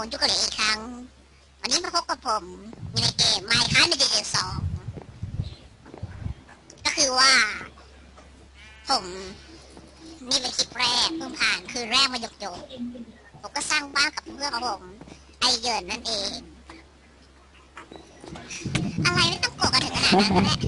ผมจุกเหลยอีกครั้งวันนี้มาพบกับผมในเกม Minecraft Medieval 2ก็คือว่าผมนี่เป็นคลิปแรกเพิ่งผ่านคือแรกมาหยกๆผมก็สร้างบ้านกับเพื่อนของผมไอเยินนั่นเองอะไรไม่ต้องโกรธกันถึงขนาดนั้นแหละ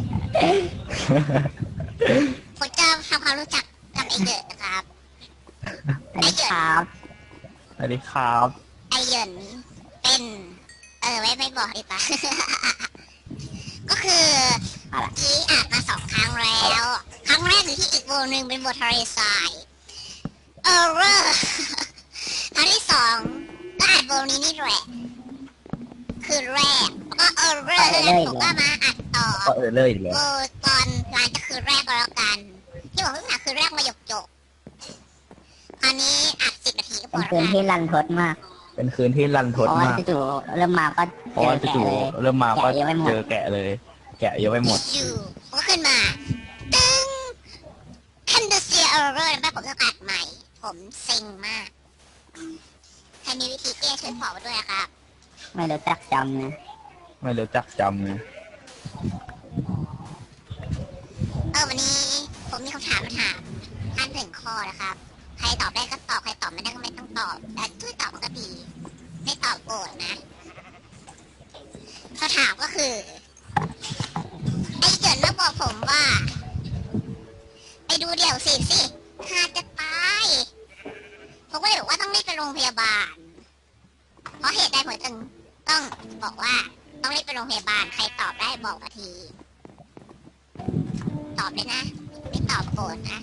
ผมจะทำความรู้จักกับไอเยินนะครับสวัสดีครับสวัสดีครับไอเยินเป็นไม่บอกดีป่ะ ก็คือที่อ่านมา2 ครั้งแล้วครั้งแรกอยู่ที่อีกโบนึงเป็นโบทะเลทรายครั้งที่2ก็อ่านโบนี้นี่แหละคือแรกแล้วก็ผมก็มาอัดต่อเลยอีกโบแล้วตอนหลังจากคือแรกก็แล้วกันที่บอกเพิ่งอ่านคือแรกมาหยกคราวนี้อัด10 นาทีก็พอเป็นคืนที่รันทดมากเป็นคืนที่รันทดมากจู่เริ่มมาก็เจอแกะเลยเริ่มมาก็เจอแกะเลยแกะเยอะไปหมดอยู่ก็ขึ้นมาตึ้งคันเดเซียเออร์เรอร์แม่ผมต้องอัดใหม่ผมเซ็งมากใครมีวิธีแก้ช่วยบอกมาด้วยครับไม่รู้จักจำนะไม่รู้จักจำนะวันนี้ผมมีคำถามมาถามท่าน1 ข้อนะครับใครตอบได้ก็ตอบใครตอบไม่ได้ก็ไม่ต้องตอบแต่ช่วยตอบมันก็ดีไม่ตอบโกรธนะคำถามก็คือไอ้เกิดมาบอกผมว่าไปดูเดี่ยวสิหาจะตายผมก็เลยบอกว่าต้องรีบไปโรงพยาบาลเพราะเหตุใดผมถึงต้องบอกว่าต้องรีบไปโรงพยาบาลใครตอบได้บอกมาทีตอบเลยนะไม่ตอบโกรธนะ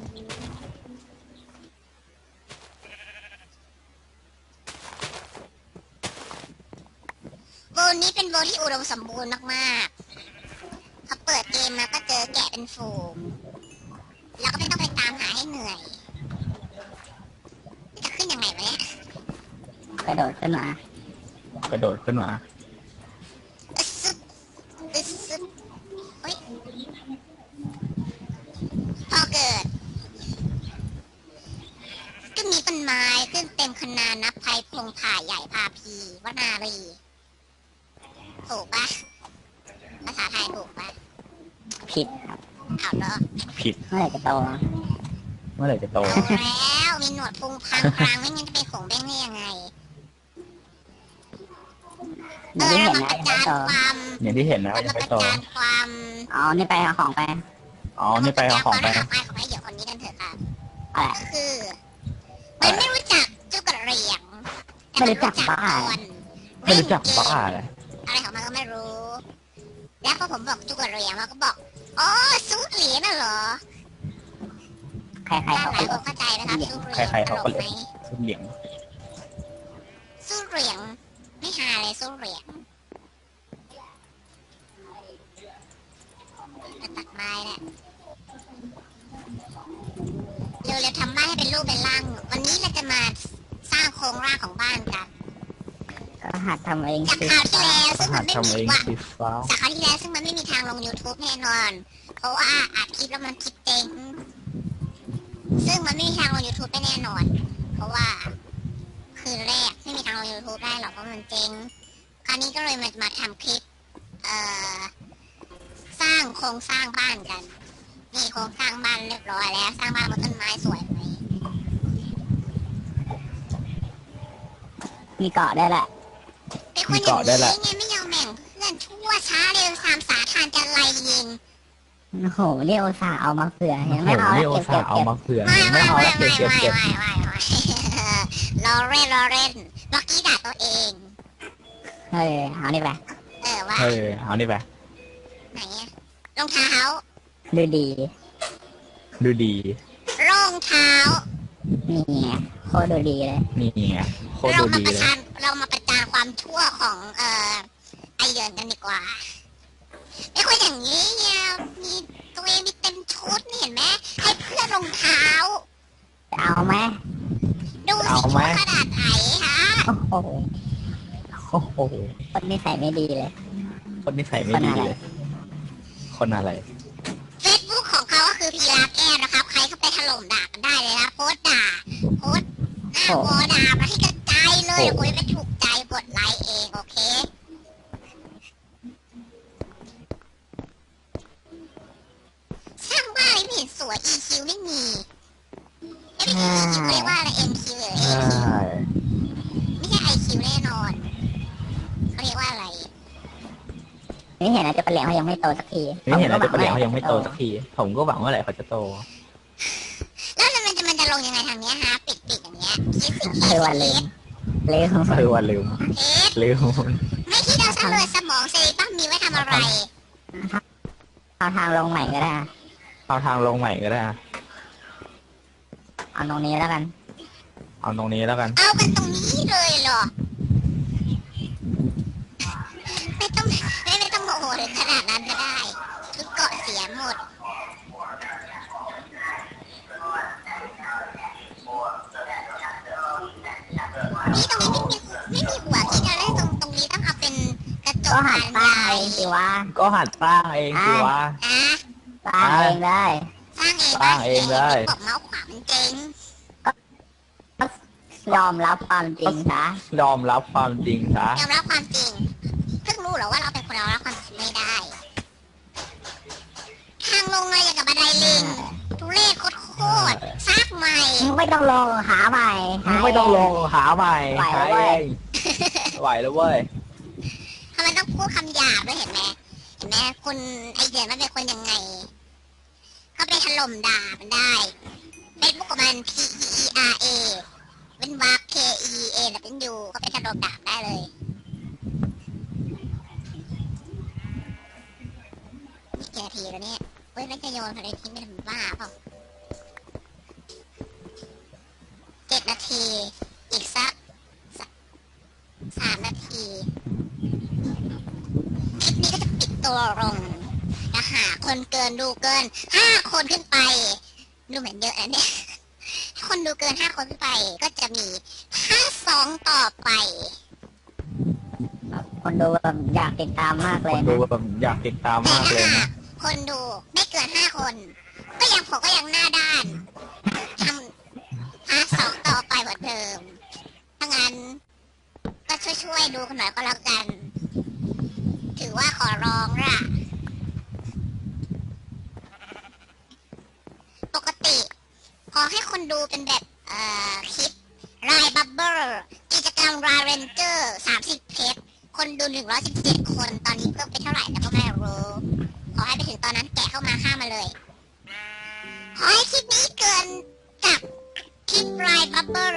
โบนี้เป็นโบที่อุดมสมบูรณ์มากๆพอเปิดเกมมาก็เจอแกะเป็นฝูงแล้วก็ไม่ต้องไปตามหาให้เหนื่อยจะขึ้นยังไงวะเนี่ยกระโดดขึ้นมอึ๊บเฮ้ยพอเกิดก็มีต้นไม้ขึ้นเต็มคณานับไพพงผ่าใหญ่พาพีวนารีถูกปะภาษาไทยถูกปะผิดครับเอาเหรอผิดเมื่อไหร่จะโตแล้วมีหนวดพุงพังกลางไม่งั้นจะเป็นของแบงค์ได้ยังไงเรามาประจานความอย่างที่เห็นนะมาประจานความนี่ไปเอาของไปนี่ไปเอาของไปของไอ้เดี๋ยวคนนี้กันเถอะค่ะก็คือมันไม่รู้จักจุกกระเหรี่ยงไม่รู้จักบ้าอะไรของมันก็ไม่รู้แล้วพอผมบอกจุกกระเหรี่ยงมันก็บอกอ๋อซูดเหรียญน่ะเหรอใครเขาเข้าใจนะครับซูดเหรียญใครเขาก็เลยซูดเหรียญไม่หาเลยซูดเหรียญจะตัดไม้แหละเร็วๆทำบ้านให้เป็นรูปเป็นร่างวันนี้เราจะมาสร้างโครงร่างของบ้านกันก็หัดทำเองจากคราวที่แล้วซึ่งมันไม่มีซึ่งมันไม่มีทางลง YouTube แน่นอนเพราะว่าอัดคลิปแล้วมันคลิปเต็งซึ่งมันไม่มีทางลง YouTube ได้แน่นอนเพราะว่าคืนแรกไม่มีทางลง YouTube ได้หรอกเพราะมันเจ๊งคราวนี้ก็เลยมาทำคลิปสร้างโครงสร้างบ้านกันนี่โครงสร้างบ้านเรียบร้อยแล้วสร้างบ้านบนต้นไม้สวยไหมมีเกาะได้แหละเป็นคนอย่างนี้ไงไม่ยอมแบ่งเพื่อนชั่วช้าเร็ว3 สาทานจะไล่ยิงโอ้โหนี่โอซาเอามาเผื่อเห็นไหมเอาเก็บไม่เอาแล้วเก็บรอเล่นเมื่อกี้ด่าตัวเองเอานี่ไปเอานี่ไปไหนรองเท้าดูดีรองเท้านี่ไงโคตรดูดีเลยเรามาประจานความชั่วของไอเดินกันดีกว่าไม่ควรอย่างนี้เนี่ยมีตัวเองมีเต็มชุดนี่เห็นไหมให้เพื่อนรองเท้าเอาไหมดูสิชุดขนาดไหนฮะโอ้โหคนนิสัยไม่ดีเลยคนอะไร Facebook ของเขาก็คือพีราแก้วนะครับใครเข้าไปถล่มด่ากันได้เลยนะโพสด่าหน้าวอด่ามาที่กระจายเลเลยเดี๋ยวกูจะไปถูกใจกดไลค์เองโอเคสร้างบ้านไม่เห็นสวย EQ ไม่มีไม่ใช่ EQ เรียกว่าอะไร MQ หรือ AQ ไม่ใช่ IQ แน่นอนเขาเรียกว่าอะไรนี่เห็นนะจะเป็นเหลียงเขายังไม่โตสักทีนี่เห็นนะจะเปลี่ยนเขายังไม่โตสักทีผมก็หวังว่าไหร่เขาจะโตแล้วมันจะลงยังไงทางเนี้ยฮะปิดอย่างเงี้ยคิดสิวันลืมลืมว่าลืมเอ๊ะลืมไม่คิดเอาซะเลยสมองเซริบัมมีไว้ทำอะไรเอาทางลงใหม่ก็ได้เอาทางลงใหม่ก็ได้เอาตรงนี้แล้วกันเอาตรงนี้แล้วกันเอากันตรงนี้เลยเหรอไม่ต้องโมโหถึงขนาดนั้นก็ได้ทุกเกาะเสียหมดนี่ตรงนี้ไม่มีหัวคิดอะไรตรงนี้ต้องเอาเป็นกระจกก็หัดบานสร้างใหญ่เองสิวะก็หัดสร้างเองสิวะอ่ะสร้างเองได้สร้างเองสร้างเองได้บอกเมาส์ขวามันเจ๊งยอมรับความจริงซะยอมรับความจริงซะยอมรับความจริงเพิ่งรู้เหรอว่าเราเป็นคนยอมรับความจริงไม่ได้ ทางลงอะไรอย่างกับบันไดลิงทุเรศโคตรๆซากใหม่ไม่ต้องลงหาใหม่ไม่ต้องลงหาใหม่ไหวหาแล้วเว้เอย งไหวแล้วเว้ยทำไมต้องพูดคำหยาบด้วยเห็นไหมคุณไอเดียมันเป็นคนยังไง เขาไปถล่มด่ามันได้เฟซบุ๊กของมัน PEERA เป็นวาร์ KEA แล้วเป็นยูก็ไปถล่มด่าได้เลยนี่กี่นาทีแล้วเนี่ยเฮ้ยแล้วจะโยนอะไรทิ้งไปทำบ้าเปล่า7 นาที อีกสัก3 นาทีคลิปนี้ก็จะปิดตัวลงนะหาคนดูเกิน5 คนขึ้นไป ดูเหมือนเยอะนะเนี่ยถ้าคนดูเกิน5 คนขึ้นไป ก็จะมีภาค2ต่อไปคนดูแบบอยากติดตามมากเลยดูนะแบบอยากติดตามแต่มากเลยถ้านะคนดูไม่เกิน5 คน ผมก็ยังหน้าด้านทำภาค2ต่อไปเหมือนเดิมถ้างั้น ก็ช่วยดูกันหน่อยก็แล้วกัน ถือว่าขอร้องล่ะ ปกติ ขอให้คนดูเป็นแบบคลิปรายบับเบิลกิจกรรมรายเรนเจอร์30 เพชรคนดู117 คนตอนนี้เพิ่มไปเท่าไหร่แล้วก็ไม่รู้ขอให้ไปถึงตอนนั้นแกะเข้ามาฆ่ามาเลย ขอให้คลิปนี้เกินกับคลิปรายบับเบิล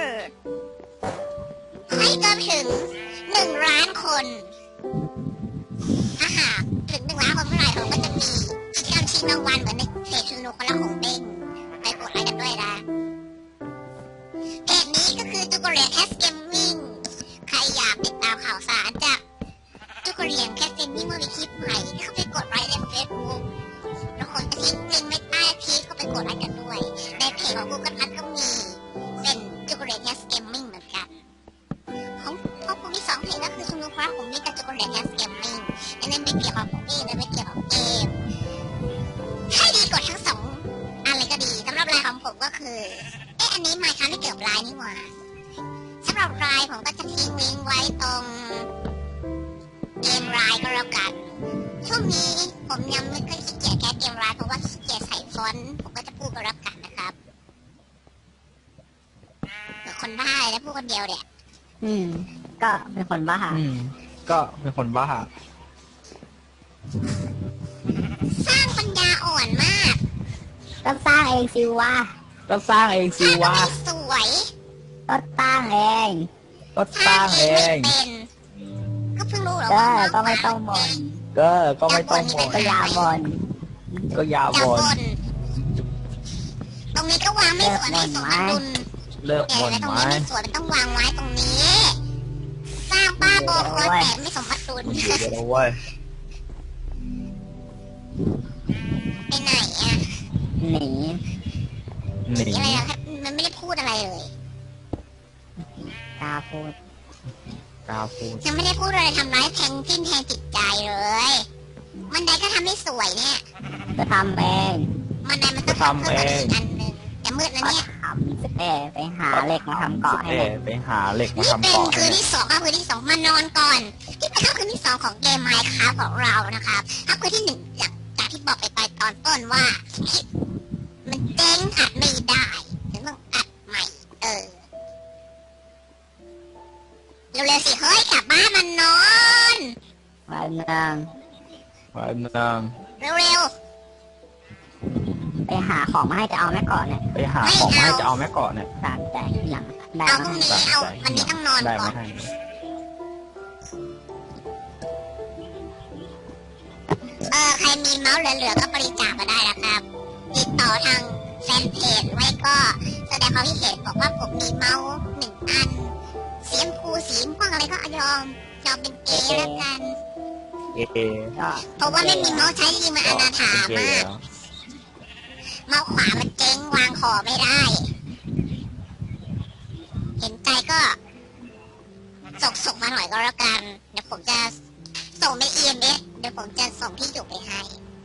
ให้เกินถึง1 ล้านคนถ้าหากถึง1 ล้านคนเมื่อไหร่ผมก็จะมีกิจกรรมชิงรางวัลเหมือนในเพจชุนุคนละของเบ้งไปกดไลค์กันด้วยนะเพจนี้ก็คือจุกเรียนแคสเกมมิ่งใครอยากติดตามข่าวสารจากจุกเรียนแคสเกมมิ่งเมื่อมีคลิปใหม่เข้าไปกดไลค์ในเฟซบุ๊กแล้วคนจะทิ้งลิงก์ไว้ใต้คลิปก็ไปกดไลค์กันด้วยในเพจของกูกันพัดก็มีเป็นจุกเรียนแคสเกมมิ่งเหมือนกันของผมมี2 เพจก็คือชุนุครับผมมีกับจุกเรียนแคสเกมมิ่งอันนั้นไม่เกี่ยวกับผมเองและไม่เกี่ยวกับเกมให้ดีกดทั้ง2อะไรก็ดีสำหรับรายของผมก็คืออันนี้มาค้าไม่เกี่ยวกับไลน์นี่หว่าสำหรับไลน์ผมก็จะทิ้งลิงก์ไว้ตรงเกมไลน์ก็แล้วกันช่วงนี้ผมยังไม่ค่อยขี้เกียจแก้เกมไลน์เพราะว่าขี้เกียจใส่ฟอนต์ผมก็จะพูดก็แล้วกันนะครับเหมือนคนบ้าเลยนะพูดคนเดียวเนี่ยก็เป็นคนบ้าก็เป็นคนบ้าสร้างปัญญาอ่อนมากก็สร้างเองสิวะก็สร้างเองสิสร้างวะไม่สวยก็สร้างเองก็สร้างเองไม่เป็นก็เพิ่งรู้เหรอก็ว่าก็ไม่ต้องบ่นก็ไม่ต้องบ่นก็อย่าบ่นก็อย่าอย่าบ่นบ่นตรงนี้ก็วางไม่สวยไม่สมดุลเลิกแต่บ่นตรงไหมนี้ไม่สวยมันต้องวางไว้ตรงนี้ สร้างบ้าบอคอแต่ไม่สมดุลมันอยู่เดี๋ยวเว้ยไปไหนอ่ะหนีหนีอะไรอะมันไม่ได้พูดอะไรเลยกล้าพูดกล้าพูดยังไม่ได้พูดอะไรทำร้ายแทงจิ้นแทงจิตใจเลยมันใดก็ทำไม่สวยเนี่ยก็ทำเองมันใดมันต้องเพิ่มอีกอันหนึ่งจะมืดแล้วก็เนี่ยทสเต้ไปหาเหล็กมาทำเกาะให้เอ้เด็กไปหาเหล็กมานี่ทำเป็นเกาะคืนที่สองครับคืนที่สองมานอนก่อนที่เป็นคืนที่สองของเกมไมค์ครับของเรานะครับคืนที่หนึ่งจากที่บอกไปตอนต้นว่ามันเจ๊งอัดไม่ได้ถึงต้องอัดใหม่เร็วๆสิเฮ้ยกลับบ้านมันนอนวันนึงวันนึงเร็วไปหาของมาให้จะเอาแม่ก่อนเนี่ยไปหาของมาให้จะเอาแม่เกาะเนี่ยตามใจหลังได้ๆเอามาพรุ่งให้นี้เอาวันนี้ต้องนอนได้ก่อมาน ให้ใครมีเมาส์เหลือๆก็บริจาคมาได้นะครับติดต่อทางแฟนเพจไว้ก็แสดงความคิดเห็นบอกว่าผมมีเมาส์1 อันสีชมพูสีม่วงอะไรก็ยอมเป็นเกย์แล้วกันเอก็เพราะว่าไม่มีเมาส์ใช้จริงมันอนาถาเป็นเกย์มากแล้วเมาส์ขวามันเจ๊งวางขอไม่ได้ เห็นใจก็ส่งมาหน่อยก็แล้วกันเดี๋ยวผมจะส่งใน EMS เดี๋ยวผมจะส่งที่อยู่ไปให้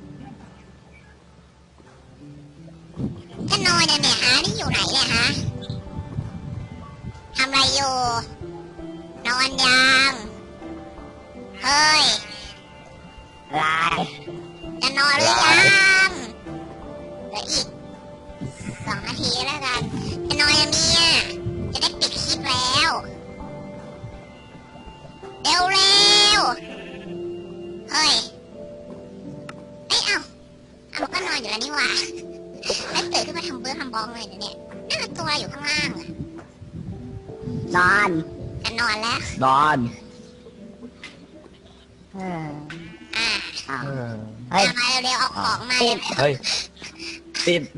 จะนอนเนี่ยฮะนี่อยู่ไหนเนี่ยฮะทำอะไรอยู่ นอนยังเฮ้ยลายจะนอนหรือยังเหลืออีก2 นาทีแล้วกันจะนอนยังเนี่ยจะได้ปิดคลิปแล้วเร็วเฮ้ยเอามันก็นอนอยู่แล้วนี่หว่าแล้วตื่นขึ้นมาทำเบื้องทำบองเลยเนี่ยนั่นตัวอยู่ข้างล่างนอนจะนอนแล้วนอนเอออ่าอ้าวเออเฮ้ยมาเร็วๆเอาของมาเฮ้ยติด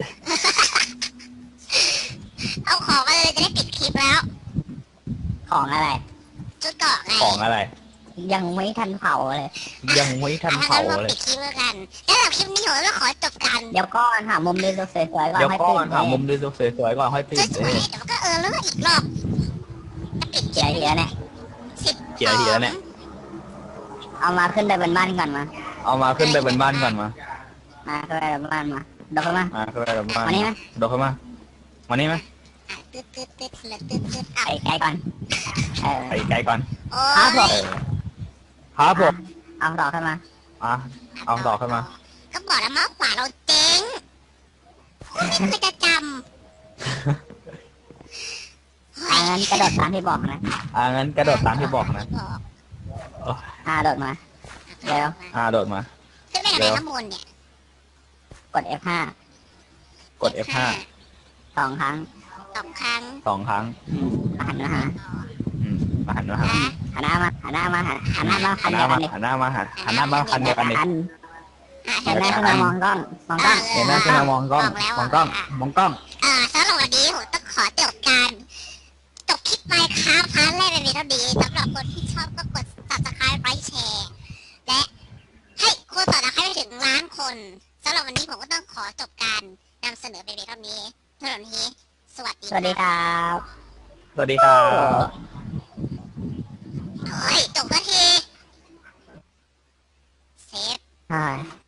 เอาของมาเลยจะได้ปิดคลิปแล้วของอะไรชุดเกาะไงของอะไรยังไม่ทันเผาเลยยังไม่ทันถ้าเผางั้นเราเลยปิดคลิปแล้วกันแล้วสำหรับคลิปนี้ผมก็ขอจบกันเดี๋ยวก่อนหามุมดูสวยๆก่อนเดี๋ยวให้ก่ปิอดนหามุมดูสวยๆก่อนค่อยปิดสเลวยยๆเดี๋ยวก็เลิกอีกรอบปิดเดี๋ยวเดี๋ยวเนี่ยเกี่ยวทีแล้วเนี่ยเอามาขึ้นไปบนบ้านก่อนมาเอามาขึ้นไปบนบ้านก่อนมาขึ้นไปบนบ้านมาเดินเข้ามาขึ้นไปบนบ้านมานี่ไหมโดดเข้ามามานี่ไหมตึ๊ดเหลือตึ๊ดไปไกลก่อนเออไปไกลก่อนโอ้ครับผมยครับผมเอาต่อขึ้นมาอ่ะเอาต่อขึ้นมาก็บอกแล้วมาขวาเราเจ๊งไม่เคยจะจงั้นกระโดดตามที่บอกนะงั้นกระโดดตามที่บอกนะโดดมา เร็วโดดมาขึ้นไปไหนข้างบนเนี่ยกด F5 กด F5 2 ครั้ง 2 ครั้ง 2 ครั้งหันมาหามาหันมาหาหันหน้ามาหันหน้ามาหันหน้ามาหันหน้ามาหันหน้ามาหันหน้ามาคันเดียวกันดิหันหน้าขึ้นมามองกล้องมองกล้องเห็นหน้าขึ้นมามองกล้องมองกล้องมองกล้องสำหรับวันนี้ผมต้องขอจบคลิปไปครับพาร์ทแรกเป็นเท่านี้สำหรับคนที่ชอบก็กด subscribe ไลค์แชร์และให้คนต่อนะให้ไปถึง1 ล้านคนสำหรับวันนี้ผมก็ต้องขอจบการนำเสนอเป็นเท่านี้สำหรับวันนี้สวัสดีสวัสดีครับสวัสดีครับเฮ้ยจบสักทีเซฟใช่